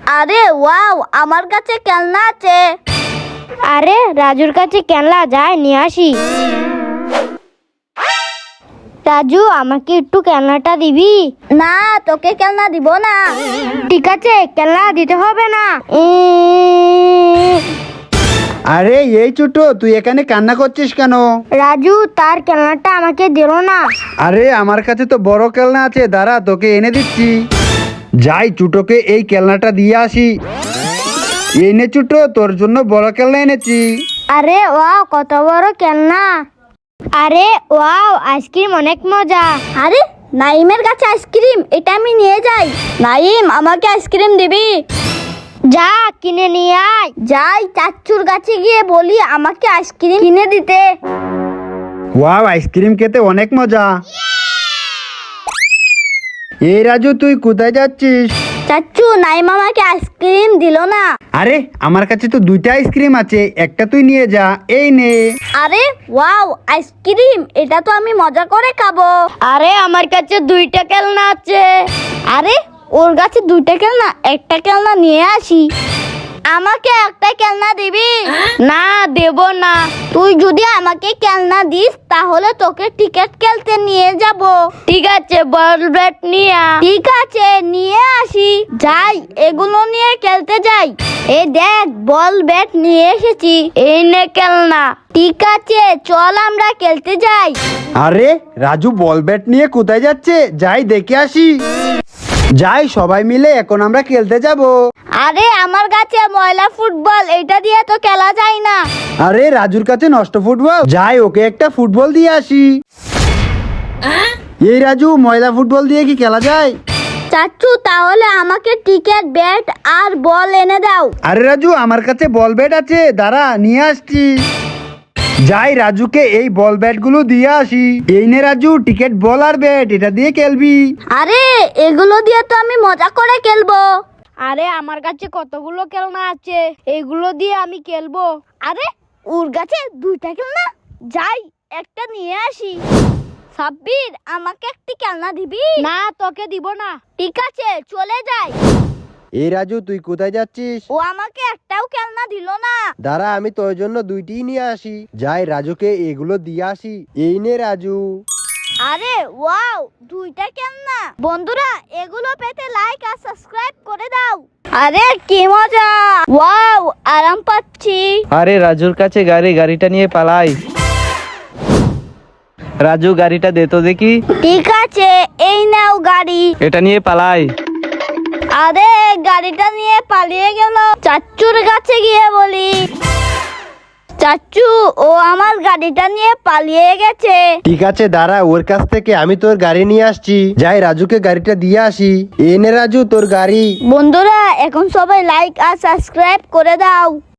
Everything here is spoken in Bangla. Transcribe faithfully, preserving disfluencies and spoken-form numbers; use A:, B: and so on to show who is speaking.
A: আরে ওয়াও, আমার কাছে খেলনা আছে।
B: আরে রাজুর কাছে খেলনা, যায় নিয়ে আসি। রাজু, আমাকে একটু খেলনাটা দিবি?
A: না, তোকে খেলনা দিব না।
B: ঠিক আছে, খেলনা দিতে হবে না। উম,
C: আরে এই ছোট, তুই এখানে কান্না করছিস কেন?
B: রাজু তার খেলনাটা আমাকে দিল না।
C: আরে আমার কাছে তো বড় খেলনা আছে, দাঁড়া তোকে এনে দিচ্ছি। যাই ছোটকে এই খেলনাটা দিয়ে আসি। এই নে ছোট, তোর জন্য বড় খেলনা এনেছি।
B: আরে ওয়াও, কত বড় খেলনা! আরে ওয়াও, আইসক্রিম অনেক মজা।
A: আরে নাইমের কাছে আইসক্রিম, এটা আমি নিয়ে যাই। নাইম, আমাকে আইসক্রিম দিবি?
B: যা কিনে নিয়ে আয়।
A: যাই চাচ্চুর কাছে গিয়ে বলি আমাকে আইসক্রিম কিনে দিতে।
C: ওয়াও, আইসক্রিম খেতে অনেক মজা। এই রাজু, তুই কোথায় যাচ্ছিস?
A: চাচ্চু, নাইম আমাকে আইসক্রিম দিল না।
C: আরে আমার কাছে তো দুইটা আইসক্রিম আছে, একটা তুই নিয়ে যা, এই নে।
A: আরে ওয়াও, আইসক্রিম, এটা তো আমি মজা করে খাবো।
B: আরে আমার কাছে দুইটা খেলনা আছে।
A: আরে ওর কাছে দুইটা খেলনা, একটা খেলনা নিয়ে আসি। আমাকে একটা খেলনা দিবি?
B: না, দেব না।
A: তুই যদি আমাকে খেলনা দিস তাহলে তোকে টিকিট খেলতে নিয়ে যাব।
B: ঠিক আছে, বল ব্যাট নিয়ে আ।
A: ঠিক আছে, নিয়ে আসি। যাই, এগুলো নিয়ে খেলতে যাই। এই দেখ, বল ব্যাট নিয়ে এসেছি।
B: এই নে খেলনা।
A: ঠিক আছে, চল আমরা খেলতে যাই।
C: আরে রাজু বল ব্যাট নিয়ে কোথায় যাচ্ছে? যাই দেখে আসি। যাই, সবাই মিলে এখন আমরা খেলতে যাব।
A: আরে আমার কাছে ময়লা ফুটবল, এটা দিয়ে তো খেলা যায় না।
C: আরে রাজুর কাছে নষ্ট ফুটবল, যাই ওকে একটা ফুটবল দিয়ে আসি। এই রাজু, ময়লা ফুটবল দিয়ে কি খেলা যায়?
A: চাচ্চু, তাহলে আমাকে টিকিট, ব্যাট আর বল এনে দাও।
C: আরে রাজু, আমার কাছে বল ব্যাট আছে, দাঁড়া নিয়ে আসছি। যাই রাজুকে এই বল ব্যাট গুলো দিয়ে আসি। এই নে রাজু, টিকিট, বল আর ব্যাট, এটা দিয়ে খেলবি।
A: আরে এগুলো দিয়ে তো আমি মজা করে খেলবো।
B: আরে আমার কাছে কতগুলো খেলনা আছে, এগুলো দিয়ে আমি খেলবো।
A: আরে ওর কাছে দুইটা খেলনা, যাই একটা নিয়ে আসি। সাব্বির, আমাকে একটি খেলনা দিবি?
B: না, তোকে দিব না।
A: ঠিক আছে, চলে যাই।
C: এই রাজু, তুই কোথায় যাচ্ছিস?
A: ও আমাকে একটাও খেলনা দিল না।
C: দাঁড়া, আমি তোর জন্য দুইটি নিয়ে আসি। যাই রাজুকে এগুলো দিয়ে আসি। এই নে রাজু।
A: আরে ওয়াও, দুইটা খেলনা। বন্ধুরা, এগুলো পেতে লাইক আর সাবস্ক্রাইব করে দাও। আরে কি মজা! ওয়াও, আরাম পাচ্ছি।
D: আরে রাজুর কাছে গাড়ি, গাড়িটা নিয়ে পালাই। রাজু, গাড়িটা দে তো দেখি।
A: ঠিক আছে, এই নাও গাড়ি।
D: এটা নিয়ে পালাই।
A: আরে গাড়িটা নিয়ে পালিয়ে গেল। চাচ্চুর কাছে গিয়ে বলি, চাচ্চু, ও আমার গাড়িটা নিয়ে পালিয়ে গেছে।
C: ঠিক আছে, দাঁড়া, ওর কাছ থেকে আমি তোর গাড়ি নিয়ে আসছি। যাই রাজুকে গাড়িটা দিয়ে আসি। এই নে রাজু, তোর গাড়ি।
A: বন্ধুরা, এখন সবাই লাইক আর সাবস্ক্রাইব করে দাও।